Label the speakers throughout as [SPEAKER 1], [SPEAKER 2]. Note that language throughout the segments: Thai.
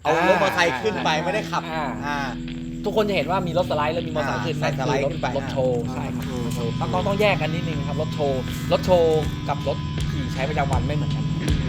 [SPEAKER 1] เอารถมอเตอร์ไซค์ขึ้นไปไม่ได้ขับ
[SPEAKER 2] ทุกคนจะเห็นว่ามีรถสไลด์แล้วมีมอเตอร์ไซค์ขึ้นนั่นคือรถโชว์ใช่ครับต้องแยกกันนิดนึงครับรถโชว์กับรถขี่ใช้ประจำวันไม่เหมือนกัน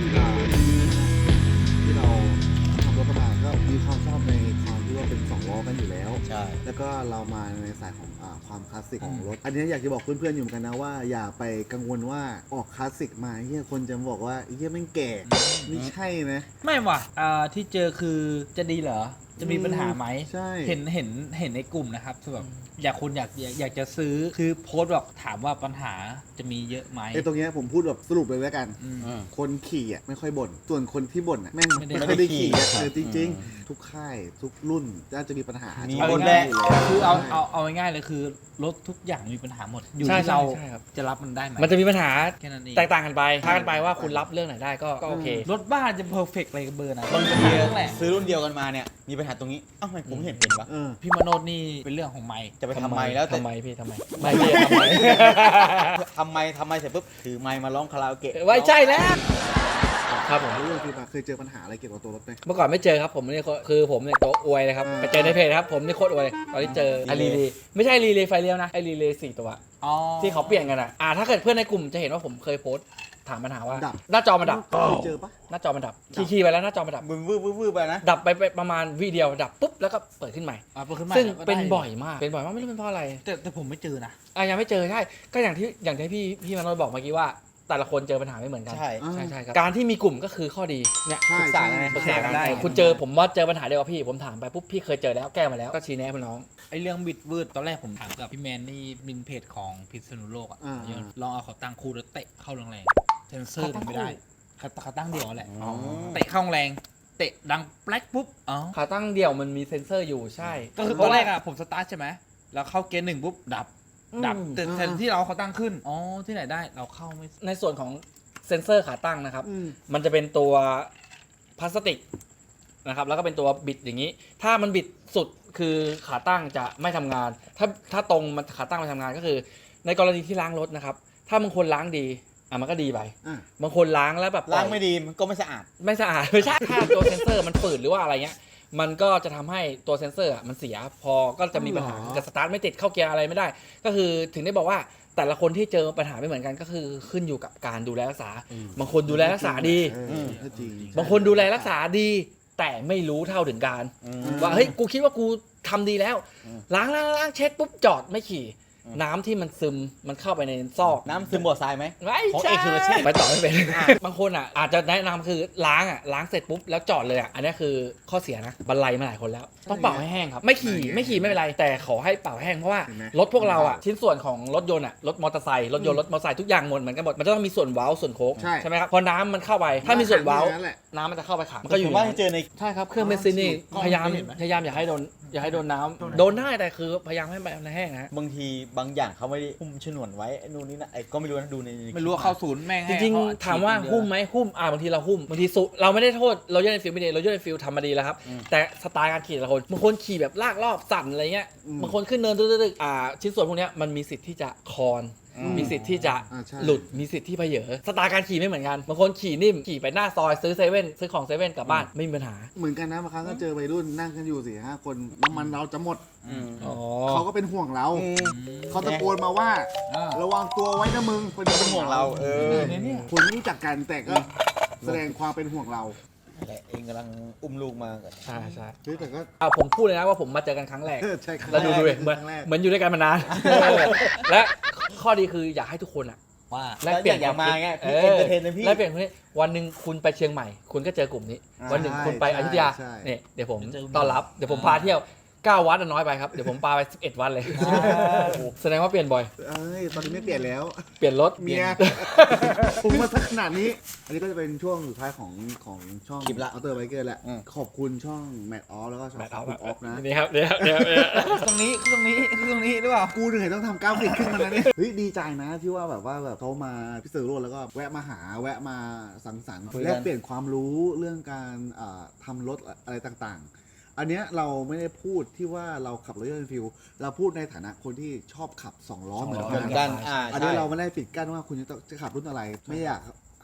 [SPEAKER 3] ที่เราทำรถมาก็มีความชอบในความที่ว่าเป็น2 ล้อกันอยู่แล้ว
[SPEAKER 1] ใช่
[SPEAKER 3] แล้วก็เรามาในสายของความคลาสสิกของรถอันนี้อยากจะบอกเพื่อนๆอยู่เหมือนกันนะว่าอย่าไปกังวลว่าออกคลาสสิกมาเฮียคนจะบอกว่าเฮียแม่งแก่ไม่ใช่นะ
[SPEAKER 2] ไม่ว่ะที่เจอคือจะดีเหรอจะมีปัญหาไหม
[SPEAKER 3] ใช่
[SPEAKER 2] เห็นในกลุ่มนะครับคือแบบอยากจะซื้อคือโพสต์บอกถามว่าปัญหาจะมีเยอะไหม
[SPEAKER 3] ตรงนี้ผมพูดแบบสรุปเลยแล้วกันคนขี่อ่ะไม่ค่อยบ่นส่วนคนที่บ่นอ่ะแม่งไม่ได้ขี่จริงๆทุกค่ายทุกรุ่นจะมีปัญหา
[SPEAKER 1] มีบนแรก
[SPEAKER 2] คือเอาง่ายๆเลยคือรถทุกอย่างมีปัญหาหมดอยู่ที่เราจะรับมันได้ไหม
[SPEAKER 4] มันจะมีปัญหา
[SPEAKER 2] แค่นั้นเอง
[SPEAKER 4] แตกต่างกันไปพากันไปว่าคุณรับเรื่องไหนได้ก็โอเค
[SPEAKER 2] รถบ้านจะเพอร์เฟกต์อะไรกับเบอร์ไหน
[SPEAKER 1] บางทีซื้อรุ่นเดียวกันมาเนี่ยมีปัญหาตรงนี้เอ้าทำไมผมเห็นเป็นวะ
[SPEAKER 2] พี่มโนดนี่เป็นเรื่องของไมค์
[SPEAKER 1] จะไปทำไมแล้ว
[SPEAKER 4] ทำไมพี่ทำไมไม่พี่ทำไม
[SPEAKER 1] ทำไมเสร็จปุ๊บถือไมค์มาร้องคาราโอเกะ
[SPEAKER 4] ไว้ใช่แล้วครับผม
[SPEAKER 3] เรื่องคือเคยเจอปัญหาอะไรเกี่ยวกับตัวรถไหม
[SPEAKER 4] เมื่อก่อนไม่เจอครับผมนี่คือผมเนี่ยตัวอวยเลยครับไปเจอในเพจครับผมนี่โคตรอวยเลยตอนที่เจอไอรีเลย์ไม่ใช่รีเลย์ไฟเลี้ยวนะไอรีเลย์4 ตัวที่เขาเปลี่ยนกันถ้าเกิดเพื่อนในกลุ่มจะเห็นว่าผมเคยโพสต์ถามปัญหาว่าหน้าจอมันดับ
[SPEAKER 3] เจอปะ
[SPEAKER 4] หน้าจอมันดับขี่ไปแล้วหน้าจอมันดับ
[SPEAKER 1] วืบไปนะ
[SPEAKER 4] ดับไปประมาณวิเดียวดับปุ๊บแล้วก็เปิดขึ้นใหม่ซึ่งเป็นบ่อยมากไม่รู้เป็นเพราะอะไร
[SPEAKER 2] แต่ผมไม่เจอนะ
[SPEAKER 4] ยังไม่เจอใช่ก็อย่างที่พี่มโนบอกเมื่อกี้ว่าแต่ละคนเจอปัญหาไม่เหมือนกัน
[SPEAKER 1] ใช่
[SPEAKER 4] ครับการที่มีกลุ่มก็คือข้อดีเนี่ยปรึกษากันได้คุณเจอผมว่าเจอปัญหาเดียวกับพี่ผมถามไปปุ๊บพี่เคยเจอแล้วแก้มาแล้วก็ชี้แนะน้อง
[SPEAKER 2] ไอเรื่องบิดวืดตอนแรกผมถามกับพี่แมนนี่มินเพจของพิษณุโลกลองเอาเขาตั้งคู่แล้วเตะเข้าแรงๆเซนเซอร์มันไม่ได้เขาตั้งเดี่ยวแหละเตะเข้าแรงเตะดังแปลกปุ๊บ
[SPEAKER 4] ขาตั้งเดี่ยวมันมีเซ็นเซอร์อยู่ใช่
[SPEAKER 2] ก็คือตอนแรกผมสตาร์ทใช่ไหมแล้วเข้าเกียร์ 1ปุ๊บดับแต่แทนที่เราเขาตั้งขึ้นที่ไหนได้เราเข้าไม่
[SPEAKER 4] ในส่วนของเซ็นเซอร์ขาตั้งนะครับมันจะเป็นตัวพลาสติกนะครับแล้วก็เป็นตัวบิดอย่างนี้ถ้ามันบิดสุดคือขาตั้งจะไม่ทำงานถ้าตรงมันขาตั้งไม่ทำงานก็คือในกรณีที่ล้างรถนะครับถ้าบางคนล้างดีมันก็ดีไปบางคนล้างแล้วแบบ
[SPEAKER 1] ล้างไม่ดีมันก็ไม่สะอาด
[SPEAKER 4] ไม่ใช่ถ้าตัวเซ็นเซอร์มันฝืดหรือว่าอะไรเงี้ยมันก็จะทำให้ตัวเซ็นเซอร์มันเสียพอก็จะมีปัญหาจะสตาร์ทไม่ติดเข้าเกียร์อะไรไม่ได้ก็คือถึงได้บอกว่าแต่ละคนที่เจอปัญหาไม่เหมือนกันก็คือขึ้นอยู่กับการดูแลรักษาบางคนดูแลรักษาดีบางคนดูแลรักษาดีแต่ไม่รู้เท่าถึงการว่าเฮ้ยกูคิดว่ากูทำดีแล้วล้างเช็ดปุ๊บจอดไม่ขี่น้ำที่มันซึมมันเข้าไปในซอก
[SPEAKER 1] น้ำซึมบ่อทรายไหม
[SPEAKER 4] ไม่ใช่ไปต่อไม่เป็นบางคนอาจจะแนะนำคือล้างเสร็จปุ๊บแล้วจอดเลยอันนี้คือข้อเสียนะบรรลัยมาหลายคนแล้วต้องเป่าให้แห้งครับไม่ขี่ไม่เป็นไรแต่ขอให้เป่าแห้งเพราะว่ารถพวกเราชิ้นส่วนของรถยนต์รถมอเตอร์ไซค์รถมอเตอร์ไซค์ทุกอย่างหมดเหมือนกันหมดมันจะต้องมีส่วนเว้าส่วนโค้งใช่ไหมครับพอน้ำมันเข้าไปถ้ามีส่วนเว้าน้ำมันจะเข้าไปขัง
[SPEAKER 1] ก็อยู่ว่าเจอใน
[SPEAKER 4] ใช่ครับเครื่องเบนซินนี่พยายามอย่าให้โดนน้ำโดนได้แต่คือพยายามให้มันแห้งนะ
[SPEAKER 1] บางทีบางอย่างเขาไม่ได้หุ้มฉนวนไว้นู่นนี่นะก็ไม่รู้นะดูใน
[SPEAKER 2] ไม่รู้ว่าเข้าศูนย์แม่ง
[SPEAKER 4] จริงๆถามว่าหุ้มไหมหุ้มบางทีเราหุ้มบางทีเราไม่ได้โทษเราเยอะในฟิลไม่ดีเราเยอะในฟิลทำมาดีแล้วครับแต่สไตล์การขี่แต่ละคนบางคนขี่แบบลากรอบสั่นอะไรเงี้ยบางคนขึ้นเนินตึ๊กชิ้นส่วนพวกนี้มันมีสิทธิ์ที่จะคอนมีสิทธิ์ที่จะหลุดมีสิทธิ์ที่เพเยอสไตล์การขี่ไม่เหมือนกันบางคนขี่นิ่มขี่ไปหน้าซอยซื้อซื้อของเซเว่นกลับบ้านไม่มีปัญหา
[SPEAKER 3] เหมือนกันนะบางครั้งก็เจอวัยรุ่นนั่งกันอยู่4-5 คนน้ำมันเราจะหมดเขาก็เป็นห่วงเราเขาตะโกนมาว่าระวังตัวไว้นะมึงเป็นห่วงเราคุณรู้จักกันแต่ก็แสดงความเป็นห่วงเรา
[SPEAKER 1] เองกำลังอุ้มลูกมา
[SPEAKER 4] ใช่
[SPEAKER 3] แต่ก็
[SPEAKER 4] ผมพูดเลยนะว่าผมมาเจอกันครั้งแรกแล้วดูเหมือนอยู่ด้วยกันมานานและข้อดีคืออยากให้ทุกคน
[SPEAKER 1] ว่าแลกเปลี่ยนอย่างมาไงพี่เอนเตอร์เทนนะพี่
[SPEAKER 4] แลกเปลี่ยนคนนี้วันหนึ่งคุณไปเชียงใหม่คุณก็เจอกลุ่มนี้วันหนึ่งคุณไปอยุธยาเนี่ยเดี๋ยวผมต้อนรับเดี๋ยวผมพาเที่ยว9 วัดน้อยไปครับเดี๋ยวผมพาไป11 วันเลยแสดงว่าเปลี่ยนบ่อย
[SPEAKER 3] ตอนนี้ไม่เปลี่ยนแล้ว
[SPEAKER 4] เปลี่ยนรถ
[SPEAKER 3] เมียผมมาสักขนาดนี้อันนี้ก็จะเป็นช่วงสุดท้ายของช่อง
[SPEAKER 1] คลิปละ
[SPEAKER 3] อัลเตอร์ไบเกอร์แหละขอบคุณช่องแมทออฟแล้วก็ช่องคุณออฟนะ
[SPEAKER 4] นี่ครับเดี๋ยว
[SPEAKER 2] ตรงนี้หรือเปล่า
[SPEAKER 3] กูเหนื่อยต้องทำกราฟิกขึ้นมาแล้วเนี่ยเฮ้ยดีใจนะที่ว่าแบบเขามาพิเศษโรดแล้วก็แวะมาหาแวะมาสังสรรค์แลกเปลี่ยนความรู้เรื่องการทำรถอะไรต่างๆอันเนี้ยเราไม่ได้พูดที่ว่าเราขับรถยนต์ฟิลเราพูดในฐานะคนที่ชอบขับ2 ล้อเหมือนกันอันนี้เราไม่ได้ปิดกั้นว่าคุณจะขับรุ่นอะไรไม่อยาก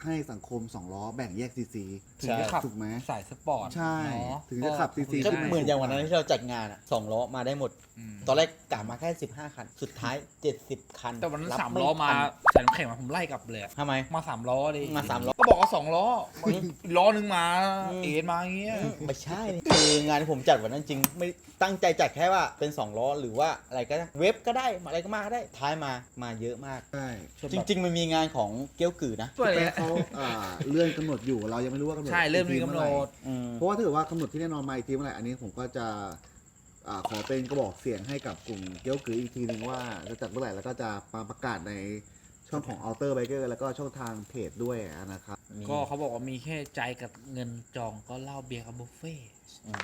[SPEAKER 3] ให้สังคม2ล้อแบ่งแยกซีซี
[SPEAKER 2] ถึงจะขับ
[SPEAKER 3] ถูกไหม
[SPEAKER 2] สายสปอร์ต
[SPEAKER 3] ใช่
[SPEAKER 2] เนาะ
[SPEAKER 3] ถึงจะขับ CC
[SPEAKER 1] ก็เหมือนอย่างวันนั้นที่เราจัดงานอ่ะ2 ล้อมาได้หมด
[SPEAKER 2] อืม
[SPEAKER 1] ตอนแรกกะมาแค่15 คัน สุดท้าย 70 คัน
[SPEAKER 2] แต่วันนั้น
[SPEAKER 1] รับ
[SPEAKER 2] สาม
[SPEAKER 1] ไ
[SPEAKER 2] ล้อมา
[SPEAKER 1] ทัน
[SPEAKER 2] ใส่น้ำแข็งมาผมไล่กลับเลยอะ
[SPEAKER 1] ทำไม
[SPEAKER 2] มาสามล้อดิ
[SPEAKER 1] มาสามล้อ
[SPEAKER 2] ก็บอกว่า2 ล้ออีกล้อนึงมา
[SPEAKER 1] อืม
[SPEAKER 2] เอ็นมาอย่างเงี้ย
[SPEAKER 1] ไม่ใช่นี่คืองานที่ผมจัดวันนั้นจริงไม่ตั้งใจจัดแค่ว่าเป็น2 ล้อหรือว่าอะไรก็ได้เว็บก็ได้อะไรก็มาก็ได้ท้ายมาเยอะมาก
[SPEAKER 3] ใช่
[SPEAKER 1] จริง ๆ มันมีงานของเกี้ยวกือนะ
[SPEAKER 2] ช่วย
[SPEAKER 3] แต่เขาเลื่อนกำหนดอยู่เรายังไม่รู้ว่ากำหนด
[SPEAKER 2] ใช่เริ่มมี
[SPEAKER 3] อีที
[SPEAKER 2] กำหน
[SPEAKER 3] เอไหร่
[SPEAKER 2] ด
[SPEAKER 1] อืม
[SPEAKER 3] เพราะว่าถ้าเกิดว่ากำหนดที่แน่นอนมาอีกทีเมื่อไหร่อันนี้ผมก็จะขอเป็นกระบอกเสียงให้กับกลุ่มเกี้ยวกืออีกทีหนึ่งว่าจะจัดเมื่อไหร่แล้วก็จะมาประกาศในช่องของ Outer Biker แล้วก็ช่องทางเพจด้วยนะครับ
[SPEAKER 2] ก็เขาบอกว่ามีแค่ใจกับเงินจองก็เหล้าเบียร์กับบุฟเฟ่ต์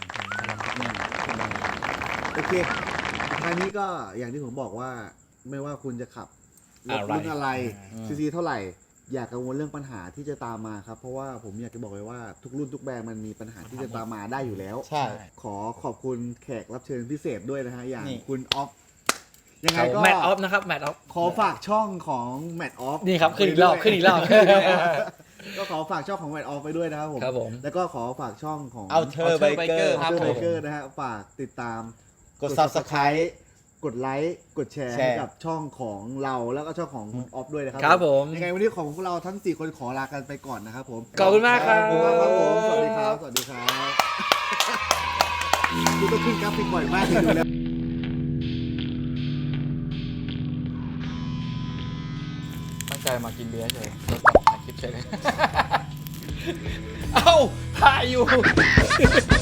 [SPEAKER 3] โอเคทางนี้ก็อย่างที่ผมบอกว่าไม่ว่าคุณจะขับรถรุ่นอะไร
[SPEAKER 1] อืม
[SPEAKER 3] ซีซีเท่าไหร่ อย่ากังวลเรื่องปัญหาที่จะตามมาครับ เพราะว่าผมอยากจะบอกเลยว่าทุกรุ่นทุกแบรนด์มันมีปัญหาที่จะตามมาได้อยู่แล้ว
[SPEAKER 1] ใช่
[SPEAKER 3] ขอขอบคุณแขกรับเชิญพิเศษด้วยนะฮะ อย่าง
[SPEAKER 1] นี่
[SPEAKER 3] คุณออฟ ยังไงก็
[SPEAKER 4] แมทออฟนะครับแมทออฟ
[SPEAKER 3] ขอฝากช่องของแมทออฟ
[SPEAKER 4] นี่ครับขึ้นอีกรอบขึ้นอีกรอบ
[SPEAKER 3] ก็ขอฝากช่องของแมทออฟไปด้วยนะครับผม
[SPEAKER 4] ครับผม
[SPEAKER 3] แล้วก็ขอฝากช่องของ
[SPEAKER 1] เอาเธอไบเกอร์
[SPEAKER 2] ครับ
[SPEAKER 3] เบ
[SPEAKER 2] ผม
[SPEAKER 3] เกอร์นะฮะฝากติดตาม
[SPEAKER 1] กด subscribe
[SPEAKER 3] กดไลค์กดแชร์
[SPEAKER 1] แชร์
[SPEAKER 3] ให้กับช่องของเราแล้วก็ช่องของคุณออฟด้วยนะครับ
[SPEAKER 4] ครับผม
[SPEAKER 3] ยังไงวันนี้ของพวกเราทั้ง 4 คนขอลากันไปก่อนนะครับผม
[SPEAKER 4] ขอบคุณมากครับ
[SPEAKER 3] ขอบคุณมากครับผมสวัสดีครับ สวัสดีครับกูต้องขึ้นกราฟิกบ่อยมากเลยดูแล้ว
[SPEAKER 4] ตั้งใจมากินเบียร์เฉยแล้วก็ถ่ายคลิปเฉยเลย เอ้าถ่ายอยู่